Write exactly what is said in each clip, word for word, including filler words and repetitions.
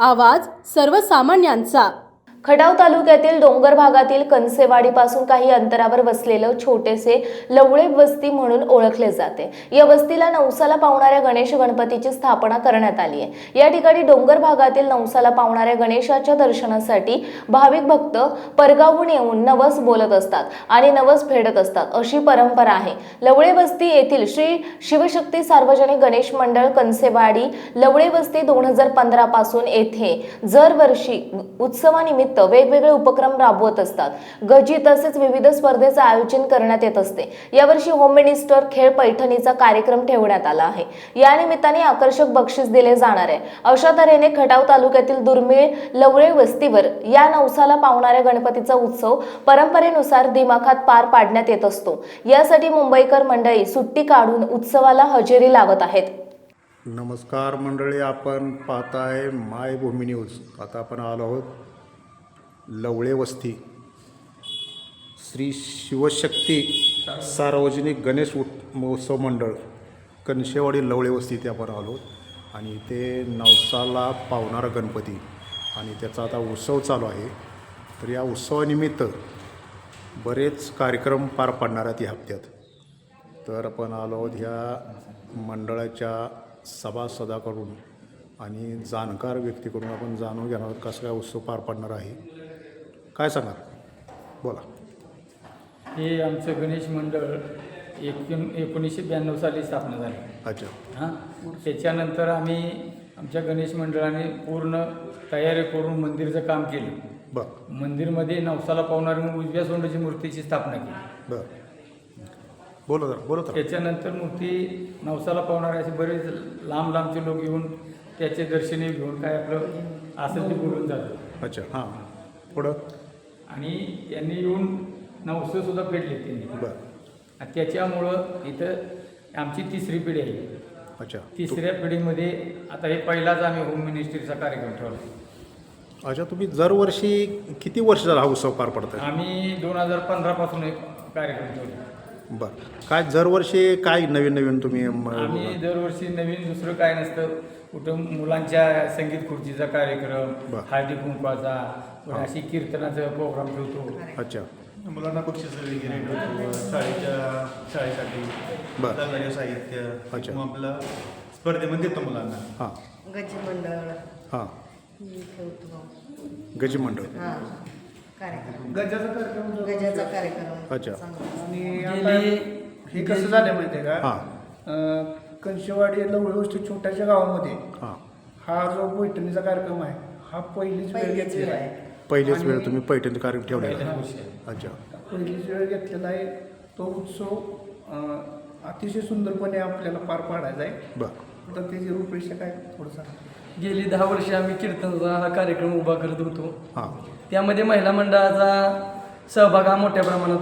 आवाज सर्वसामान्यांचा। खटाव तालुक्यातील डोंगर भागातील कनसेवाडीपासून काही अंतरावर वसलेलं छोटेसे लवळे वस्ती म्हणून ओळखले जाते। या वस्तीला नवसाला पावणाऱ्या गणेश गणपतीची स्थापना करण्यात आली आहे। या ठिकाणी डोंगर भागातील नवसाला पावणाऱ्या गणेशाच्या दर्शनासाठी भाविक भक्त परगावून येऊन नवस बोलत असतात आणि नवस फेडत असतात, अशी परंपरा आहे। लवळे वस्ती येथील श्री शिवशक्ती सार्वजनिक गणेश मंडळ कनसेवाडी लवळे वस्ती दोन हजार पंधरा पासून येथे दरवर्षी उत्सवानिमित्त वेगवेगळे उपक्रम राबवत असतात। गजी तसेच विविध स्पर्धेचे आयोजन करण्यात येत असते। यावर्षी होम मिनिस्टर खेळ पैठणीचा कार्यक्रम ठेवण्यात आला आहे। या निमित्ताने आकर्षक बक्षीस दिले जाणार आहे। अशा तऱ्हेने खटाव तालुक्यातील दुर्मिळ लवळे वस्तीवर या नवसाला पावणाऱ्या गणपतीचा उत्सव परंपरेनुसार दिमाखात पार पाडण्यात येत असतो। यासाठी मुंबईकर मंडळी सुट्टी काढून उत्सवाला हजेरी लावत आहेत। नमस्कार मंडळी, आपण पाहताय माय भूमी न्यूज। आता आपण आलो आहोत लवळे वस्ती श्री शिवशक्ती सार्वजनिक गणेश महोत्सव मंडळ कनसेवाडी लवळे वस्ती इथे आपण आलो आणि इथे नवसाला पावणारा गणपती आणि त्याचा आता उत्सव चालू आहे। तर या उत्सवानिमित्त बरेच कार्यक्रम पार पाडणार आहेत या हप्त्यात। तर आपण आलो आहोत ह्या मंडळाच्या सभासदाकडून आणि जाणकार व्यक्तीकडून आपण जाणून घेणार आहोत कसं काय उत्सव पार पडणार आहे। काय सांगणार, बोला। हे आमचं गणेश मंडळ एक एकोणीसशे ब्याण्णव साली स्थापना झाली। अच्छा। हां, त्याच्यानंतर आम्ही आमच्या गणेश मंडळाने पूर्ण तयारी करून मंदिरचं काम केलं। बरं। मंदिरमध्ये नवसाला पावणारी उजव्या सोंडाची मूर्तीची स्थापना केली। बरं, बोला जरा बोला तर। त्याच्यानंतर मूर्ती नवसाला पावणारे असे बरेच लांब लांबचे लोक येऊन त्याचे दर्शने घेऊन काय आपलं असेल ते बोलून जातं। अच्छा, हां, पुढं आणि यांनी येऊन नवसं सुद्धा फेडले त्यांनी। बरं। आणि त्याच्यामुळं इथं आमची तिसरी पिढी आहे। अच्छा। तिसऱ्या पिढीमध्ये आता हे पहिलाच आम्ही होम मिनिस्ट्रीचा कार्यक्रम ठेवला। अच्छा, तुम्ही दरवर्षी किती वर्ष झाला हा उत्सव पार पडताय? आम्ही दोन हजार पंधरा पासून एक कार्यक्रम ठेवला। बरं, काय दरवर्षी काय नवीन नवीन तुम्ही आम्ही दरवर्षी नवीन दुसरं काय नसतं, कुठं मुलांच्या संगीत खुर्चीचा कार्यक्रम, हळदी कुंकवाचा, अशी कीर्तनाचा प्रोग्राम ठेवतो। अच्छा। मुलांना बक्षीस वगैरे ठेवतो, शाळेच्या शाळेसाठी बरं साहित्य। अच्छा। मग आपलं स्पर्धेमध्ये देतो मुलांना। हां, गजी मंडळ हां, ठेवतो। गजी मंडळ, हां, कार्यक्रम गजाचा कार्यक्रम जो- गजाचा कार्यक्रम। अच्छा। आणि आता हे कसं झालं माहिती आहे का? हां, अं, कनसेवाडी लवळे वस्ती छोट्याशा गावामध्ये हां, हा जो पैठणीचा कार्यक्रम आहे हा पहिलीच वेळ पहिलीच घेतलेला वेळ आहे। आहे। पहिलेच वेळ तुम्ही पैठणी कार्यक्रम ठेवलेला आहे? अच्छा। पहिलीच वेळ घेतलेला आहे। तो उत्सव अं, अतिशय सुंदरपणे आपल्याला पार पाडायचा आहे। बरं। तर त्याची रूपरेषा काय थोडंसं? गेली दहा वर्षे आम्ही कीर्तनाचा हा कार्यक्रम उभा करत होतो। हां, त्यामध्ये महिला मंडळाचा सहभाग हा मोठ्या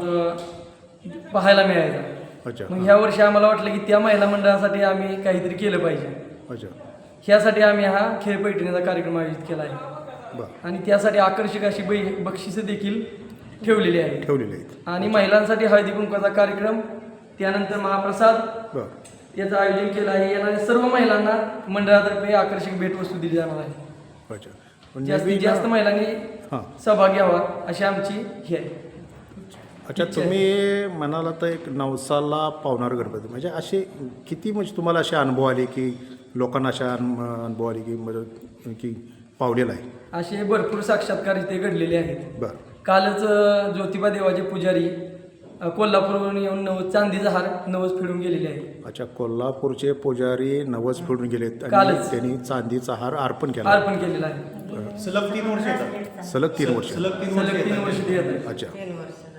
प्रमाणात पाहायला मिळायचा। अच्छा। मग ह्या वर्षी आम्हाला वाटलं की त्या महिला मंडळासाठी आम्ही काहीतरी केलं पाहिजे। अच्छा। ह्यासाठी आम्ही हा खेळ पैठणीचा कार्यक्रम आयोजित केला आहे बरं। आणि त्यासाठी आकर्षक अशी बै बक्षिसं देखील ठेवलेली आहेत ठेवलेले आहेत। आणि महिलांसाठी हळदी कुंकवाचा कार्यक्रम, त्यानंतर महाप्रसाद बरं। याचं आयोजन केलं आहे। येणाऱ्या सर्व महिलांना मंडळातर्फे आकर्षक भेटवस्तू दिली जाणार आहे। अच्छा, पण जास्तीत नवीन- जास्त महिलांनी हां, सहभाग घ्यावा अशी आमची ही आहे। अच्छा, तुम्ही म्हणाला तर एक नवसाला पावणार गणपती म्हणजे असे किती म्हणजे तुम्हाला असे अनुभव आले की लोकांना अशा अनु- अनुभव आले की म्हणजे की पावलेला आहे? असे भरपूर साक्षात्कार इथे घडलेले आहेत। बरं। कालच अ, ज्योतिबा देवाचे पुजारी अ, कोल्हापूरवरून येऊन नवस चांदीचा हार नवस फिरून गेलेले आहेत। अच्छा, कोल्हापूरचे पुजारी नवस फिरून गेलेत आणि कालच. त्यांनी चांदीचा हार अर्पण केला। अर्पण केलेला आहे। सलग तीन वर्ष येतात। सलग तीन वर्ष सलग तीन सलग वर्ष तीन वर्ष येतात। ते येत आहेत। अच्छा। तीन वर्ष झाली।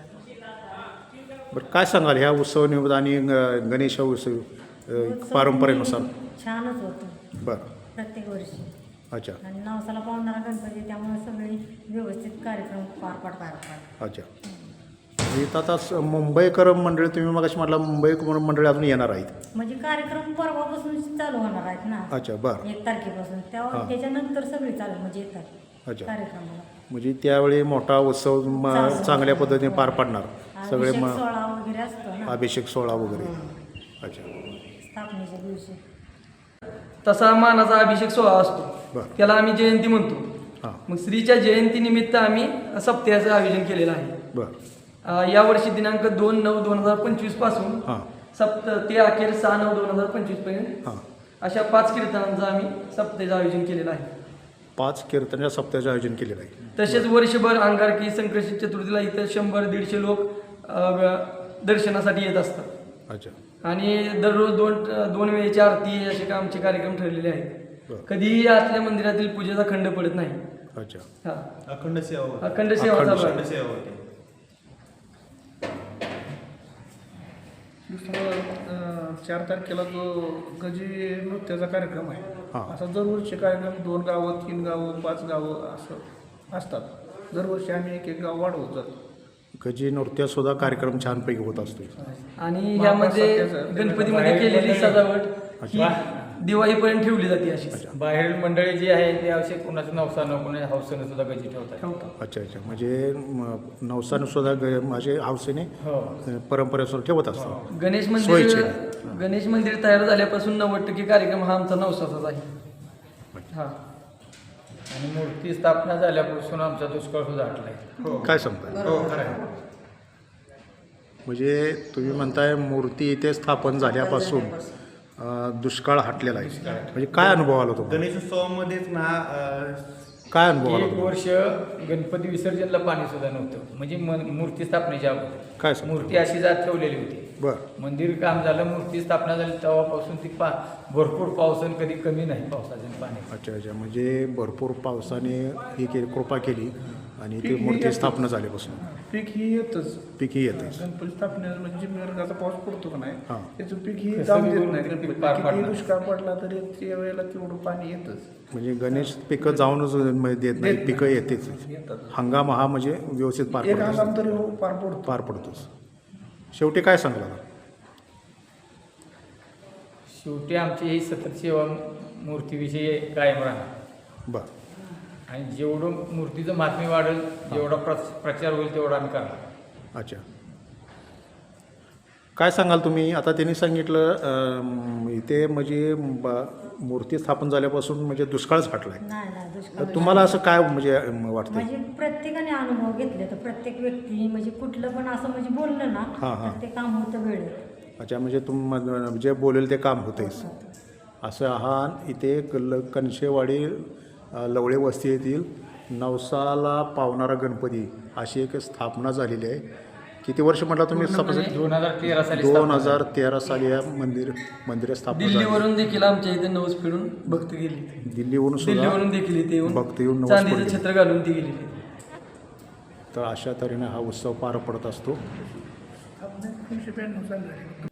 बरं, काय सांगाल ह्या उत्सव आणि ग- गणेश उत्सव अ, पारंपरेनुसार? छानच होतं बरं। प्रत्येक वर्षी। अच्छा। आणि नवसाला पावणारा गणपती, त्यामुळे सगळे व्यवस्थित कार्यक्रम पार पाडतात। अच्छा, इथं आता स- मुंबईकर मंडळी तुम्ही मग अशी म्हटलं मुंबई मंडळी अजून येणार आहेत म्हणजे कार्यक्रम परवापासून चालू होणार आहेत ना। अच्छा, बरं। एक तारखेपासून तेव्हा हां. त्याच्यानंतर सगळे चालू म्हणजे येतात अच्छा, कार्यक्रमाला। म्हणजे त्यावेळी मोठा उत्सव म- चालू. चांगल्या पद्धतीने पार पाडणार सगळे अभिषेक मग सोहळा वगैरे असतो ना अभिषेक सोहळा वगैरे। अच्छा, स्थापनेच्या दिवशी। तसा मानाचा अभिषेक सोहळा असतो. बरं. त्याला आम्ही जयंती म्हणतो. हां मग श्रीच्या जयंतीनिमित्त आम्ही सप्त्याचं आयोजन केलेलं आहे. बरं अ, यावर्षी दिनांक दोन नऊ दोन हजार पंचवीस पासून हां सप्त ते अखेर सहा नऊ दोन हजार पंचवीस पर्यंत हां अशा पाच कीर्तनांचं आम्ही सप्त्याचं आयोजन केलेलं आहे. पाच कीर्तनाच्या सप्त्याचं आयोजन केलेलं आहे. तसेच वर्षभर अंगारकी संकष्टी चतुर्थीला इथं शंभर दीडशे लोक अ, दर्शनासाठी येत असतात. अच्छा. आणि दररोज दोन दोन वेळेची आरती असे का आमचे कार्यक्रम ठरलेले आहेत. बरं. कधीही आतल्या मंदिरातील पूजेचा खंड पडत नाही. अच्छा. हा अखंड सेवा होती. अखंड सेवा अखंड चालू अखंड आहे. सेवा होती. दुसरं अं, चार तारखेला जो गजी नृत्याचा कार्यक्रम आहे हां. असा दरवर्षी कार्यक्रम दोन गावं तीन गावं पाच गावं असं असतात. दरवर्षी आम्ही एक एक गाव वाढवत जातो. गजी नृत्य सुद्धा कार्यक्रम छानपैकी होत असतो. आणि यामध्ये गणपतीमध्ये केलेली सजावट ही अच्छा. दिवाळीपर्यंत ठेवली जाते अशी. बाहेरील मंडळी जी आहे ते असे कोणाचं नवसानं कोणाच्या हौसेनं सुद्धा गजी ठेवतात. ठेवतात. अच्छा अच्छा म्हणजे म, नवसानं सुद्धा ग माझे हौसेने हो परंपरेनुसार ठेवत असतात. गणेश मंदिर सोयीचे. गणेश मंदिर तयार झाल्यापासून नव्वद टक्के कार्यक्रम हा आमचा नवसाचाच आहे. हा आणि मूर्ती स्थापना झाल्यापासून आमचा दुष्काळ सुद्धा हटलाय. काय सांगताय? हो खरं आहे. म्हणजे तुम्ही म्हणताय मूर्ती इथे स्थापन झाल्यापासून अ, दुष्काळ हटलेला आहे. म्हणजे काय अनुभव आला तुम्हाला? गणेशोत्सवामध्येच ना अं, काय अनुभव आला एक तुम्हाला? वर्ष गणपती विसर्जनला पाणी सुद्धा नव्हतं. म्हणजे मन- मूर्ती स्थापनेच्या अगोदर काय सांगता? मूर्ती अशी जात ठेवलेली होती. बरं. मंदिर काम झालं, मूर्ती स्थापना झाली तेव्हापासून ती पा भरपूर पावसाने कधी कमी नाही पावसाचं पाणी. अच्छा अच्छा म्हणजे भरपूर पावसाने ही केली कृपा केली आणि ती मूर्ती स्थापना झाल्यापासून पीक ही येतच. पिकी येतेच. गणपती स्थापने म्हणजे मेरगाचा पाऊस पडतो का नाही हां. त्याचं पीक ही कसं जाऊन बी देत करून नाही. ते पीक गणपती पार कितीही पाडणार. दुष्काळ पडला तरी त्या वेळेला तेवढं पाणी येतच. म्हणजे गणेश पिकं जाऊनच म्हणजे देत नाही, देत पिकं येतेच. येतात. हंगाम हा म्हणजे व्यवस्थित पार एक पडतो हंगाम तरी हो पार पडतो. पार पडतोच. शेवटी काय सांगला? शेवटी आमची ही सतत सेवा मूर्तीविषयी कायम राहणार. बरं. आणि जेवढं मूर्तीचं महात्म्य वाढेल जेवढा प्र प्रचार होईल तेवढा आम्ही करणार. अच्छा. काय सांगाल तुम्ही? आता त्यांनी सांगितलं अं, इथे म्हणजे ब- मूर्ती स्थापन झाल्यापासून म्हणजे दुष्काळच हटलाय. नाही नाही तर दुष्काळ तुम्हाला असं काय म्हणजे अं, वाटतंय? म्हणजे प्रत्येकाने अनुभव घेतले तर प्रत्येक व्यक्ती म्हणजे कुठलं पण असं म्हणजे बोललं ना हां, हां. तर ते काम होतं वेळेत. अच्छा म्हणजे तुम जे बोलेल ते काम होतेच. असं हा इथे कल कणशेवाडी अ, लवळे वस्ती येथील नवसाला पावणारा गणपती अशी एक स्थापना झालेली आहे. किती वर्ष म्हटलं तुम्ही? पूर्णपणे दोन हजार तेरा साली दोन स्थापना हजार तेरा साली या मंदिर मंदिर स्थापना झाली. दिल्लीवरून देखील आमच्या इथे नवस फिरून भक्त गेली. दिल्लीवरून सुद्धा दिल्लीवरून देखील इथे येऊन भक्त येऊन नवस चांदीचं पडले. छत्र घालून ती गेली. तर अशा तऱ्हेने हा उत्सव पार पडत असतो. आपण एकोणीसशे ब्याण्णव साली झाली.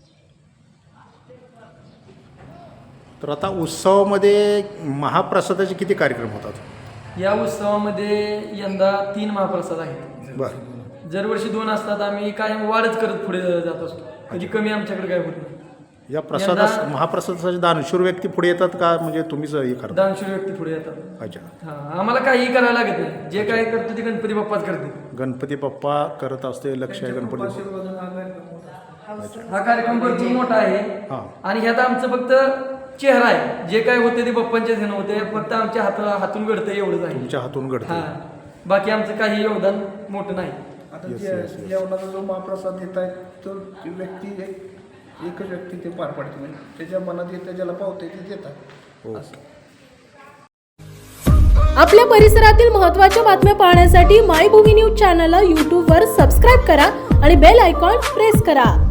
तर आता उत्सवामध्ये महाप्रसादाचे किती कार्यक्रम होतात? या उत्सवामध्ये यंदा तीन महाप्रसाद आहेत. बरं. दरवर्षी दोन असतात. आम्ही कायम वाढच करत पुढे जात असतो. कधी कमी आमच्याकडे काय होत नाही. या प्रसादास यंदा- महाप्रसादासाठी दानशूर व्यक्ती पुढे येतात का म्हणजे तुम्हीच हे करता? दानशूर व्यक्ती पुढे येतात. अच्छा. हा आम्हाला काहीही करायला लागत नाही. जे काय करतो ते गणपती बाप्पाच करते. गणपती बाप्पा करत असते. लक्ष आहे गणपती. आशीर्वादाने हा कार्यक्रम होता. हा कार्यक्रम भरपूर मोठा आहे. हां. आणि ह्यात आमचं फक्त चेहरा आहे. जे काय होते ते बाप्पांच्या ध्यान होते. फक्त आमच्या हात हातून घडतं एवढंच आहे. तुमच्या हातून घडते. हा बाकी आमचं काही योगदान मोठं नाही. आता Yes, जे yes, yes. जेवणाचा जो महाप्रसाद देत आहे तो ती व्यक्ती एक एकच व्यक्ती ते पार पाडते. म्हणजे त्याच्या मनात येतं ज्याला पावते ते देतात. हो. असं. आपल्या परिसरातील महत्त्वाच्या बातम्या पाहण्यासाठी मायभूमी न्यूज चॅनलला यूट्यूबवर सबस्क्राईब करा आणि बेल आयकॉन प्रेस करा.